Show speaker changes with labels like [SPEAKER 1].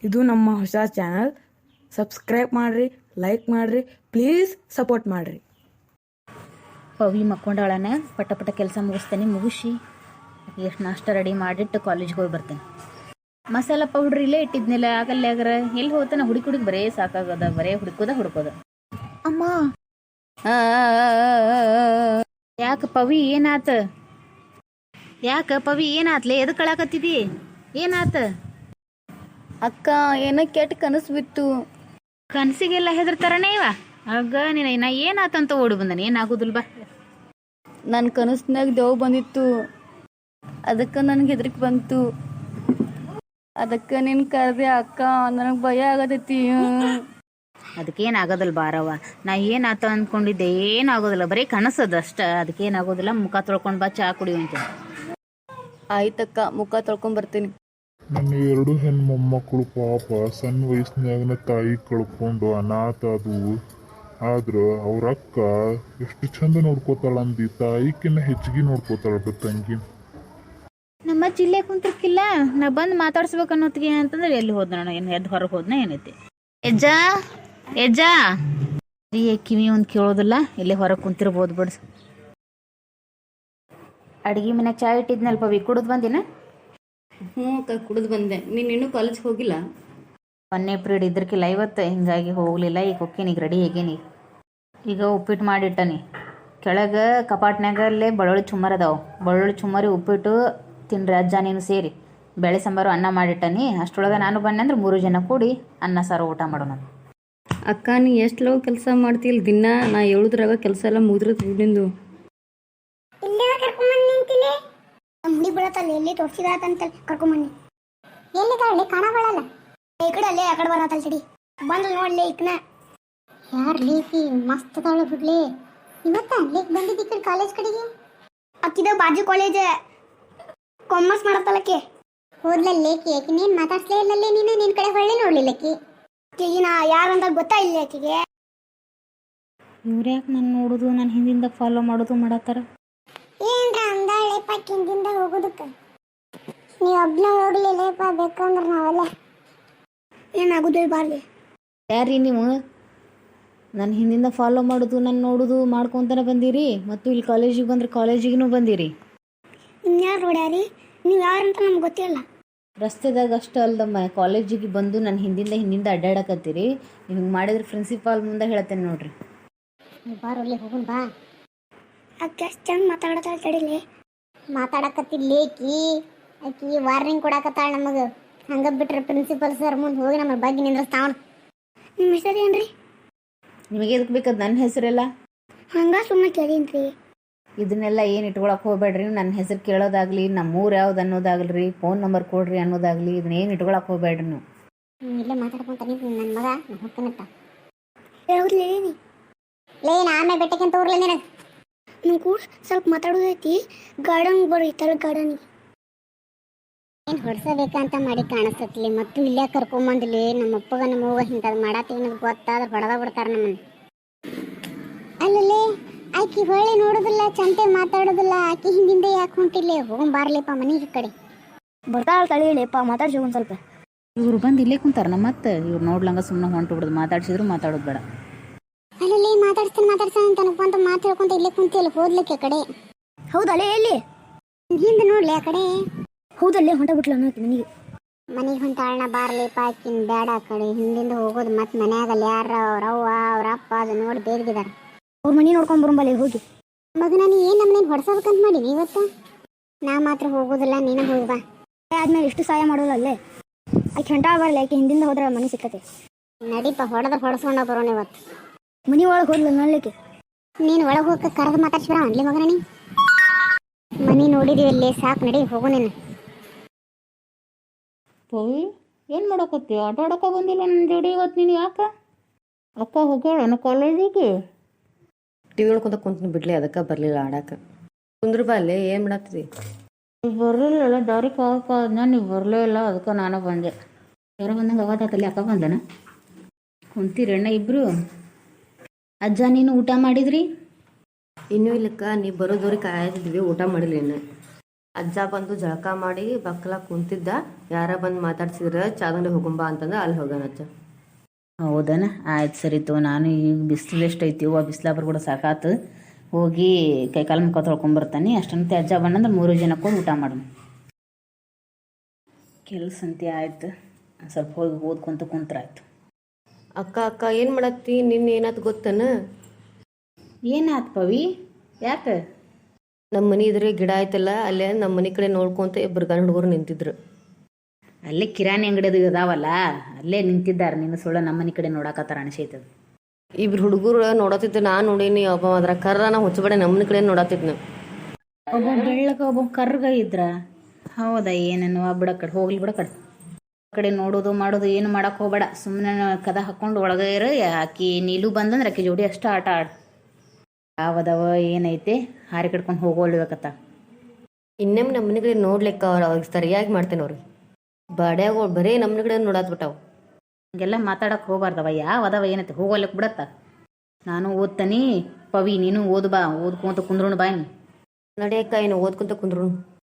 [SPEAKER 1] ಇದು ನಮ್ಮ ಹೊಸ ಚಾನಲ್. ಸಬ್ಸ್ಕ್ರೈಬ್ ಮಾಡಿರಿ, ಲೈಕ್ ಮಾಡಿರಿ, ಪ್ಲೀಸ್ ಸಪೋರ್ಟ್ ಮಾಡಿರಿ.
[SPEAKER 2] ಪವಿ ಮಕ್ಕೊಂಡಾಳನ ಪಟ ಪಟ ಕೆಲಸ ಮುಗಿಸ್ತೇನೆ, ಮುಗಿಸಿ ಎಷ್ಟು ನಾಷ್ಟ ರೆಡಿ ಮಾಡಿಟ್ಟು ಕಾಲೇಜ್ಗೆ ಹೋಗಿ ಬರ್ತೇನೆ. ಮಸಾಲ ಪೌಡ್ರ್ ಇಲ್ಲೇ ಇಟ್ಟಿದ್ನಿಲ್ಲ, ಆಗಲ್ಲ ಆಗ್ರ ಎಲ್ಲಿ ಹೋಗ್ತಾನೆ ಹುಡುಕಿ ಬರೇ ಸಾಕಾಗದ, ಬರೇ ಹುಡುಕೋದ. ಅಮ್ಮ ಯಾಕ ಪವಿ ಏನಾತ್ಲೆ? ಎದಕ್ಕೆ ಕಳಾಕತ್ತಿದಿ? ಏನಾತ?
[SPEAKER 3] ಅಕ್ಕ ಏನೋ ಕೆಟ್ಟ ಕನಸು ಬಿತ್ತು.
[SPEAKER 2] ಕನಸಿಗೆಲ್ಲ ಹೆದರ್ತಾರನೇ ಇವ. ಆಗ ನಾ ಏನಾತಂತ ಓಡಿ ಬಂದಾನೆ. ಏನಾಗೋದಿಲ್ಲ ಬಾ.
[SPEAKER 3] ನನ್ನ ಕನಸ್ನಾಗ ದೇವ್ ಬಂದಿತ್ತು, ಅದಕ್ಕೆ ನನಗೆ ಹೆದರಿಕೆ ಬಂತು. ಅದಕ್ಕೆ ನೀನು ಕರೆದೆ ಅಕ್ಕ, ನನಗೆ ಭಯ ಆಗತೈತಿ.
[SPEAKER 2] ಅದಕ್ಕೇನಾಗೋದಿಲ್ಲ ಬಾರವ್ವ. ನಾ ಏನಾತ ಅಂದ್ಕೊಂಡಿದ್ದೆ, ಏನಾಗೋದಿಲ್ಲ, ಬರೀ ಕನಸದ ಅಷ್ಟ. ಅದಕ್ಕೇನಾಗೋದಿಲ್ಲ. ಮುಖ ತೊಳ್ಕೊಂಡು ಬಾ, ಚಹಾ ಕುಡಿಯುವಂತೆ.
[SPEAKER 3] ಆಯ್ತಕ್ಕ, ಮುಖ ತೊಳ್ಕೊಂಡ್ ಬರ್ತೀನಿ.
[SPEAKER 4] ನನ್ನ 2 ಹೆಣ್ಣು ಮೊಮ್ಮಕ್ಕಳು ಪಾಪ ಸಣ್ಣ ವಯಸ್ಸಿನಾಗನ ತಾಯಿ ಕಳ್ಕೊಂಡು ಅನಾಥ ಅದು. ಆದ್ರೆ ಅವ್ರ ಅಕ್ಕ ಎಷ್ಟು ಚಂದ ನೋಡ್ಕೋತಾಳಂದಿ, ತಾಯಿಕಿನ್ನ ಹೆಚ್ಚಿಗೆ ನೋಡ್ಕೋತಾಳ ತಂಗಿ.
[SPEAKER 2] ನಮ್ಮ ಜಿಲ್ಲೆ ಕುಂತಿರ್ಕಿಲ್ಲ, ನಾ ಬಂದು ಮಾತಾಡ್ಸ್ಬೇಕು ಅನ್ನೋತ್ತಿಗೆ ಅಂತಂದ್ರೆ ಎಲ್ಲಿ ಹೋದ್ನ? ಏನು ಎದ್ದು ಹೊರಗೆ ಹೋದ್ನ ಏನೈತಿ? ಎಜ್ಜಾ ಕಿವಿ ಒಂದು ಕೇಳೋದಿಲ್ಲ, ಇಲ್ಲೇ ಹೊರಗೆ ಕುಂತಿರ್ಬೋದು ಬಿಡ್ಸ. ಅಡ್ಗೆ ಮನ್ಯಾಗ ಚಾ ಇಟ್ಟಿದ್ನಲ್ಪ ಪವಿ, ಕುಡಿದು ಬಂದಿನ?
[SPEAKER 3] ಹ್ಞೂ ಅಕ್ಕ, ಕುಡಿದು ಬಂದೆ. ನೀನು ಇನ್ನೂ ಕಾಲೇಜ್ಗೆ ಹೋಗಿಲ್ಲ?
[SPEAKER 2] 1ನೇ ಪೀರಿಯಡ್ ಇದ್ರಕ್ಕಿಲ್ಲ ಇವತ್ತು, ಹಿಂಗಾಗಿ ಹೋಗಲಿಲ್ಲ. ಈಗ ಹೋಗ್ತೀನಿ, ಈಗ ರೆಡಿ ಆಗೇನಿ. ಈಗ ಉಪ್ಪಿಟ್ಟು ಮಾಡಿಟ್ಟನಿ ಕೆಳಗೆ ಕಪಾಟ್ನಾಗ. ಅಲ್ಲೇ ಬೆಳ್ಳುಳ್ಳಿ ಚುಮ್ಮರ್ ಅದಾವೆ, ಬೆಳ್ಳುಳ್ಳಿ ಚುಮ್ಮರಿ ಉಪ್ಪಿಟ್ಟು ತಿನ್ರಿ ಅಜ್ಜ ನೀನು ಸೇರಿ. ಬೇಳೆ ಸಾಂಬಾರು ಅನ್ನ ಮಾಡಿಟ್ಟನಿ. ಅಷ್ಟರೊಳಗೆ ನಾನು ಬನ್ನಿ ಅಂದ್ರೆ 3 ಜನ ಕೂಡಿ ಅನ್ನ ಸಾರು ಊಟ ಮಾಡೋಣ.
[SPEAKER 3] ಅಕ್ಕ, ನೀ ಎಷ್ಟು ಲವ್ ಕೆಲಸ ಮಾಡ್ತೀಯಲ್ಲ ದಿನ. ನಾ ಹೇಳುದ್ರಾಗ ಕೆಲಸ ಎಲ್ಲ ಮುಗಿದ್ರತ್ ನಿಂದು.
[SPEAKER 5] ಮುಡಿ ಬೀಳತ್ತಲ್ಲ, ಎಲ್ಲಿ ತೋರಿಸಿದಾತಂತ ಕರ್ಕೊಂಬನ್ನಿ. ಎಲ್ಲಿದ್ದಾಳೆ? ಕಾಣಬಾಳಲ್ಲ. ಈ ಕಡೆ ಅಲ್ಲೇ ಆ ಕಡೆ ಬರತ್ತಲ್ಲ ತಡಿ. ಬಂದು ನೋಡ್ಲಿ ಈಕನ. ಯಾರು ಲೇಕಿ? ಮಸ್ತ್ ಅದಾಳ ಬಿಡ್ಲಿ. ಇವತ್ತ ಲೇಕ್ ಬಂದಿದ್ದ ಈ ಕಡೆ ಕಾಲೇಜ್ ಕಡೆಗೆ. ಅಕ್ಕಿದ ಬಾಜು ಕಾಲೇಜ್ ಕಾಮರ್ಸ್ ಮಾಡತ್ತಲ್ಲಕ್ಕೆ. ಹೋದ್ಲ ಲೇಕಿ. ಆಕಿ ನೀನ್ ಮಾತಾಡ್ಸ್ಲೇ ಇಲ್ಲಲ್ಲೇ ನೀನು. ನಿನ್ ಕಡೆ ಹೊಳ್ಳಿ ನೋಡ್ಲಿಲ್ಲಕ್ಕಿ. ನಾ ಯಾರಂತ ಗೊತ್ತಾ ಇಲ್ಲ ಆಕಿಗೆ.
[SPEAKER 2] ಇವ್ರು ಯಾಕೆ ನಾನು ನೋಡೋದು, ನಾನು ಹಿಂದಿಂದ ಫಾಲೋ ಮಾಡೋದು ಮಾಡತ್ತಾರ?
[SPEAKER 5] ಏನ್ರ ಅಂದಾಳೆಪ್ಪ ಹಿಂದಿಂದ ಹೋಗೋದಕ್ಕೆ. ನೀವು ಒಬ್ನ ಹೋಗ್ಲಿಲ್ಲಪ್ಪ, ಬೇಕಂದ್ರೆ ನಾವೆಲ್ಲ ಏನಾಗುದಿಲ್ಲ ಬಾರ್ಲಿ.
[SPEAKER 2] ಯಾರೀ ನೀವು? ನಾನು ಹಿಂದಿಂದ ಫಾಲೋ ಮಾಡೋದು, ನಾನು ನೋಡೋದು ಮಾಡ್ಕೊತಾನೆ ಬಂದಿರಿ. ಮತ್ತು ಇಲ್ಲಿ ಕಾಲೇಜಿಗೆ ಬಂದ್ರೆ ಕಾಲೇಜಿಗೂ ಬಂದಿರಿ.
[SPEAKER 5] ಇನ್ಯಾರು ನೋಡ್ಯಾರಿ? ನೀವು ಯಾರಂತ ನಮ್ಗೆ ಗೊತ್ತಿಲ್ಲ.
[SPEAKER 2] ರಸ್ತೆದಾಗ ಅಷ್ಟು ಅಲ್ದಮ್ಮ, ಕಾಲೇಜಿಗೆ ಬಂದು ನನ್ನ ಹಿಂದಿಂದ ಅಡ್ಡಾಡಕತ್ತೀರಿ. ನೀವು ಹಿಂಗೆ ಮಾಡಿದ್ರೆ ಪ್ರಿನ್ಸಿಪಾಲ್ ಮುಂದೆ ಹೇಳ್ತೇನೆ ನೋಡ್ರಿ.
[SPEAKER 5] ಬಾರಲ್ಲಿ ಹೋಗೋಣ ಬಾ. ಅಕ್ಕ ಎಷ್ಟು ಚಂದ ಮಾತಾಡತ್ತಾಳ ತಡಿಲಿ. ಮಾತಾಡಕತ್ತಿಲ್ಲ ಆಕಿ ವಾರ್ನಿಂಗ್ ಕೊಡಾಕತ್ತಾಳ ನಮಗೆ. ಹಂಗೆ ಬಿಟ್ರೆ ಪ್ರಿನ್ಸಿಪಲ್ ಸರ್ ಮುಂದೆ ಹೋಗಿ ನಮ್ಮ ಬಗ್ಗೆ ನಿಂದ್ರಸ್ತಾವಣ. ನಿಮ್ಮ ಹೆಸರು ಏನ್ರಿ?
[SPEAKER 2] ನಿಮಗೆ ಎದಕ್ಕೆ ಬೇಕದು ನನ್ನ ಹೆಸರೆಲ್ಲ?
[SPEAKER 5] ಹಂಗ ಸುಮ್ಮನೆ ಕೇಳೀನ್ರಿ.
[SPEAKER 2] ಇದನ್ನೆಲ್ಲ ಏನು ಇಟ್ಕೊಳಕ್ಕೆ ಹೋಗ್ಬೇಡ್ರಿ. ನನ್ನ ಹೆಸರು ಕೇಳೋದಾಗಲಿ, ನಮ್ಮ ಊರು ಯಾವ್ದು ಅನ್ನೋದಾಗಲಿ, ಫೋನ್ ನಂಬರ್ ಕೊಡ್ರಿ ಅನ್ನೋದಾಗಲಿ, ಇದನ್ನೇನು ಇಟ್ಕೊಳಕ್ಕೆ ಹೋಗ್ಬೇಡ್ರಿ ನೀವು.
[SPEAKER 5] ಇಲ್ಲೇ ಮಾತಾಡ್ಕೊಂತ ನನ್ನ ಮಗ ಹೋಗ್ತಾನತ್ತ. ಹೌದ್ಲೇ ಆಮೇಲೆ ಬೆಟ್ಟಕ್ಕಿಂತ ಊರ್ಲ ನಿನಗೆ ನೀವು ಕೂಡ ಸ್ವಲ್ಪ ಮಾತಾಡೋದೈತಿ. ಗಾರ್ಡನ್ ಬರ್ರಿ, ತರ ಗಾರ್ಡನಿಗೆ ಏನು ಹೊಡ್ಸಬೇಕಂತ ಮಾಡಿ ಕಾಣಿಸ್ತತ್ಲಿ. ಮತ್ತು ಇಲ್ಲೇ ಕರ್ಕೊಂಬಂದ್ಲಿ. ನಮ್ಮ ಅಪ್ಪಗ ನಮ್ಮ ಹೋಗ ಇಂಥದ್ದು ಮಾಡತ್ತೀವಿ ಅನ್ನೋದು ಗೊತ್ತಾದ್ರೆ ಬಡದ ಬಿಡ್ತಾರೆ ನಮ್ಮನ್ನು. ಅಲ್ಲಲ್ಲೇ ಆಕಿ ಹೊಳ್ಳಿ ನೋಡೋದಿಲ್ಲ, ಚಂತೆ ಮಾತಾಡೋದಿಲ್ಲ. ಆಕಿ ಹಿಂದಿಂದ ಯಾಕೆ ಹೊಂಟಿಲ್ಲ? ಹೋಗೊಂಬಾರ್ಲಿಪ್ಪ ಮನೆಗೆ ಕಡೆ. ಬರ್ತಾಳ ತಳಿಯಪ್ಪ, ಮಾತಾಡ್ಸಿ ಒಂದು ಸ್ವಲ್ಪ.
[SPEAKER 2] ಇವ್ರು ಬಂದು ಇಲ್ಲೇ ಕುಂತಾರ. ಮತ್ತೆ ಇವ್ರು ನೋಡ್ಲಂಗ ಸುಮ್ಮನೆ ಹೊಂಟು ಬಿಡೋದು. ಮಾತಾಡ್ಸಿದ್ರು ಮಾತಾಡೋದು ಬೇಡ.
[SPEAKER 5] ಅಲ್ಲಲ್ಲಿ ಮಾತಾಡ್ತಾನೆ ಅಂತ ಅನ್ಕೊಂತ ಮಾತು ಹೇಳ್ಕೊಂತ ಇಲ್ಲೇ ಕುಂತಿಲ್ಲ. ಹೋದ್ಲಿಕ್ಕೆ ಕಡೆ. ಹೌದಲ್ಲೇ ಎಲ್ಲಿ ಹಿಂದೆ ನೋಡ್ಲಿ ಆ ಕಡೆ. ಹೌದಲ್ಲೇ ಹೊಂಟ ಬಿಟ್ಲ ಅನ್ನೋಕೆ ಮನೆಗೆ ಹೊಂಟಾಳಣ. ಬಾರ್ಲಿಪ್ಪ ಆಕಿನ್ ಬೇಡ ಆ ಕಡೆ ಹಿಂದಿಂದ ಹೋಗೋದು. ಮತ್ತೆ ಮನ್ಯಾಗಲ್ಲ ಯಾರ ಅವ್ರವ್ವ ಅವ್ರಪ್ಪ ಅದು ನೋಡಿ ಬೇರ್ಗಿದಾರ. ಅವ್ರ ಮನೆ ನೋಡ್ಕೊಂಡ್ ಬರಂಬಲ್ಲಿ ಹೋಗಿ. ಮಗನ ನೀ ಏನು ನಮ್ಮನೇನು ಹೊಡ್ಸಬೇಕಂತ ಮಾಡೀನಿ ಇವತ್ತು. ನಾ ಮಾತ್ರ ಹೋಗೋದಿಲ್ಲ, ನೀನು ಹೋಗಿ ಬಾ. ಆದ್ಮೇಲೆ ಎಷ್ಟು ಸಹಾಯ ಮಾಡೋದಲ್ಲೇ. ಆಕೆ ಹೊಂಟಾಳ ಬರಲಿ. ಆಕೆ ಹಿಂದಿಂದ ಹೋದ್ರೆ ಮನೆ ಸಿಕ್ಕತ್ತೆ. ನಡೀಪ, ಹೊಡ್ಸ್ಕೊಂಡ ಬರೋಣ ಇವತ್ತು. ಮನಿ ಒಳಗೆ ಹೋದ್ಲ ನೋಡ್ಲಿಕ್ಕೆ. ನೀನು ಒಳಗೆ ಹೋಗಕ್ಕೆ ಕರೆದು ಮಾತಾಡ್ಸಿಬಿಡ ಅನ್ಲಿ ಮಗನ. ನೀ ಮನಿ ನೋಡಿದೀವಿ ಅಲ್ಲಿ, ಸಾಕು, ನಡಿ ಹೋಗು ನೀನು.
[SPEAKER 2] ಪವಿ ಏನು ಮಾಡಕತ್ತಿ? ಆಟ ಆಡೋಕೆ ಬಂದಿಲ್ಲ ನನ್ನ ಜೋಡಿ ಇವತ್ತು ನೀನು? ಯಾಕೆ ಅಕ್ಕ ಹೋಗ್ಯಾಳ ಕಾಲೇಜಿಗೆ?
[SPEAKER 3] ಟಿವಿ ನೋಡ್ಕೊಂತ ಕುಂತೀನಿ ಬಿಡ್ಲಿ, ಅದಕ್ಕೆ ಬರಲಿಲ್ಲ ಆಡಕ್ಕೆ. ಕುಂದ್ರ ಬಾ ಅಲ್ಲೇ, ಏನು ಮಾಡತ್ತೀರಿ?
[SPEAKER 2] ಬರಲಿಲ್ಲ, ದಾರಿ ಕಾದನ್ನ ನೀವು ಬರಲೇ ಇಲ್ಲ. ಅದಕ್ಕೆ ನಾನು ಬಂದೆ. ಯಾರೋ ಬಂದಂಗೆ ಅವಾತಲ್ಲಿ ಅಕ್ಕ ಬಂದನ. ಕುಂತೀರಿ ಅಣ್ಣ ಇಬ್ಬರು? ಅಜ್ಜ ನೀನು ಊಟ ಮಾಡಿದ್ರಿ?
[SPEAKER 3] ಇನ್ನೂ ಇಲ್ಲಕ್ಕ, ನೀವು ಬರೋದವ್ರಿಗೆ ಕಾಯ್ತಿದ್ವಿ, ಊಟ ಮಾಡಿಲ್ಲ ಇನ್ನು.
[SPEAKER 6] ಅಜ್ಜ ಬಂದು ಜಳಕ ಮಾಡಿ ಬಕ್ಕಲ ಕುಂತಿದ್ದ, ಯಾರ ಬಂದು ಮಾತಾಡ್ಸಿದ್ರೆ ಚಾದಂಗಡಿ ಹೋಗುಂಬ ಅಂತಂದ್ರೆ ಅಲ್ಲಿ ಹೋಗ್ಯಾನ ಅಜ್ಜ.
[SPEAKER 2] ಹೌದನ, ಆಯ್ತು ಸರಿ ತೋ. ನಾನು ಈಗ ಬಿಸಿಲು ಎಷ್ಟೈತಿ ಆ ಬಿಸಿಲಾಬ್ರು ಕೂಡ ಸಾಕಾತು. ಹೋಗಿ ಕೈಕಾಲು ಮುಖ ತೊಳ್ಕೊಂಬರ್ತಾನೆ. ಅಷ್ಟಂತೆ ಅಜ್ಜ ಬಣ್ಣಂದ್ರೆ 3 ಜನಕ್ಕೆ ಊಟ ಮಾಡೋಣ. ಕೆಲಸ ಅಂತೆ ಆಯ್ತು, ಸ್ವಲ್ಪ ಹೋಗಿ ಓದ್ಕೊಂತ ಕುಂತ್ರಾಯ್ತು.
[SPEAKER 6] ಅಕ್ಕ ಅಕ್ಕ ಏನು ಮಾಡತ್ತಿ? ನಿನ್ನೆ ಏನಾಯ್ತು ಗೊತ್ತನ?
[SPEAKER 2] ಏನಾಯ್ತು ಪವಿ? ಯಾಕೆ?
[SPEAKER 6] ನಮ್ಮ ಮನೆ ಇದ್ರೆ ಗಿಡ ಆಯ್ತಲ್ಲ, ಅಲ್ಲೇ ನಮ್ಮ ಮನೆ ಕಡೆ ನೋಡ್ಕೊಂತ ಇಬ್ಬರು ಗಂಡು ಹುಡುಗರು ನಿಂತಿದ್ರು.
[SPEAKER 2] ಅಲ್ಲೇ ಕಿರಾಣಿ ಅಂಗಡಿದು ಇದಾವಲ್ಲ, ಅಲ್ಲೇ ನಿಂತಿದ್ದಾರೆ. ನಿನ್ನ ಸುಳ್ಳ ನಮ್ಮ ಮನೆ ಕಡೆ ನೋಡಕತ್ತಾರ ಅನಿಸೈತದ.
[SPEAKER 6] ಇಬ್ರು ಹುಡುಗರು ನೋಡತ್ತಿದ್ದು ನಾನು ನೋಡೀನಿ. ಒಬ್ಬ ಅದ್ರ ಕರ್ರ ನಾ ಹುಚ್ಚಬೇಡ ನಮ್ಮ ಮನೆ ಕಡೆ ನೋಡತ್ತಿದ್ನು.
[SPEAKER 2] ಒಬ್ಬ ಬೆಳ್ಳಗ ಒಬ್ಬ ಕರ್ಗ ಇದ್ರ. ಹೌದಾ? ಏನೇನು ಬಿಡ ಕಡೆ ಹೋಗ್ಲಿ, ಬಿಡ ಕಡೆ ಕಡೆ ನೋಡೋದು ಮಾಡೋದು ಏನು ಮಾಡಕ್ಕೆ ಹೋಗ್ಬೇಡ. ಸುಮ್ಮನೆ ಕದ ಹಾಕ್ಕೊಂಡು ಒಳಗೆ ಇರು. ಆಕಿ ನೀಲು ಬಂದಂದ್ರೆ ಆಕಿ ಜೋಡಿ ಅಷ್ಟು ಆಟ ಆಡು. ಯಾವದವ ಏನೈತೆ ಹಾರಿ ಕಟ್ಕೊಂಡು ಹೋಗೋಳ್ಬೇಕತ್ತ.
[SPEAKER 6] ಇನ್ನೊಮ್ಮೆ ನಮ್ಮ ಮನೆ ಕಡೆ ನೋಡ್ಲಿಕ್ಕ ಅವ್ರಿಗೆ ಸರಿಯಾಗಿ ಮಾಡ್ತೇನೆ. ಅವ್ರಿಗೆ ಬಾಡ್ಯಾಗ ಬರೀ ನಮ್ಮ ಮನೆ ಕಡೆ ನೋಡಾತ್ಬಿಟ್ಟಾವ.
[SPEAKER 2] ಹಂಗೆಲ್ಲ ಮಾತಾಡಕ್ಕೆ ಹೋಗ್ಬಾರ್ದವ. ಯಾವದವ ಏನೈತೆ ಹೋಗೋಲ್ಲಕ್ಕೆ ಬಿಡತ್ತ. ನಾನು ಓದ್ತಾನೆ. ಪವಿ ನೀನು ಓದು ಬಾ, ಓದ್ಕೊಂತ ಕುಂದ್ರೋಣ ಬಾ.
[SPEAKER 6] ನಡೆಯಕ್ಕ ಏನು ಓದ್ಕೊಂತ ಕುಂದ್ರು.